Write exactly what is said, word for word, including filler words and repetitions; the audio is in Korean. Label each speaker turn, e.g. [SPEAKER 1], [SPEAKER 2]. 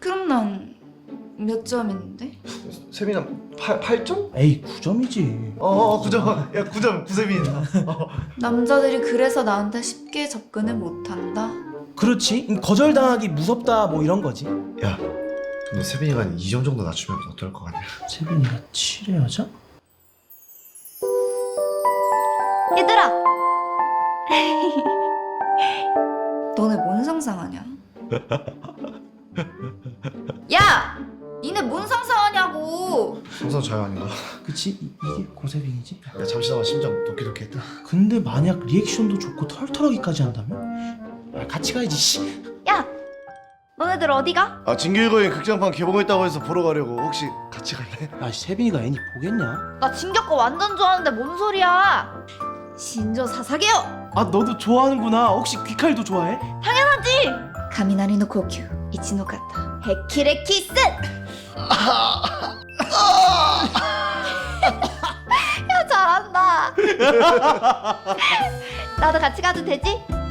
[SPEAKER 1] 그럼 난 몇 점인데?
[SPEAKER 2] 세빈아 팔, 팔 점?
[SPEAKER 3] 에이 구 점이지.
[SPEAKER 2] 어 구 점. 야 구 점 구세빈이다. 어.
[SPEAKER 1] 남자들이 그래서 나한테 쉽게 접근을 못한다?
[SPEAKER 3] 그렇지. 거절당하기 무섭다 뭐 이런 거지.
[SPEAKER 2] 야 근데 세빈이가 한 이 점 정도 낮추면 어떨 것 같냐?
[SPEAKER 3] 세빈이가 칠의 여자?
[SPEAKER 1] 얘들아! 너네 뭔 상상하냐? 야! 니네 뭔 상상하냐고!
[SPEAKER 2] 항상 자유 아닌가?
[SPEAKER 3] 그치? 이, 이게 고세빈이지?
[SPEAKER 2] 야 잠시나마 심장 도끼도끼했다.
[SPEAKER 3] 근데 만약 리액션도 좋고 털털하기까지 한다면? 아, 같이 가야지 씨.
[SPEAKER 1] 야! 너네들 어디가?
[SPEAKER 2] 아 진규이거인 극장판 개봉했다고 해서 보러 가려고. 혹시 같이 갈래?
[SPEAKER 3] 야 세빈이가 애니 보겠냐?
[SPEAKER 1] 나 진격거 완전 좋아하는데 뭔 소리야! 신조 사사게요!
[SPEAKER 3] 아 너도 좋아하는구나. 혹시 귀칼도 좋아해?
[SPEAKER 1] 당연하지! 가미나리 노 고큐 이치노 카타 헤키레키스! 야 잘한다. 나도 같이 가도 되지?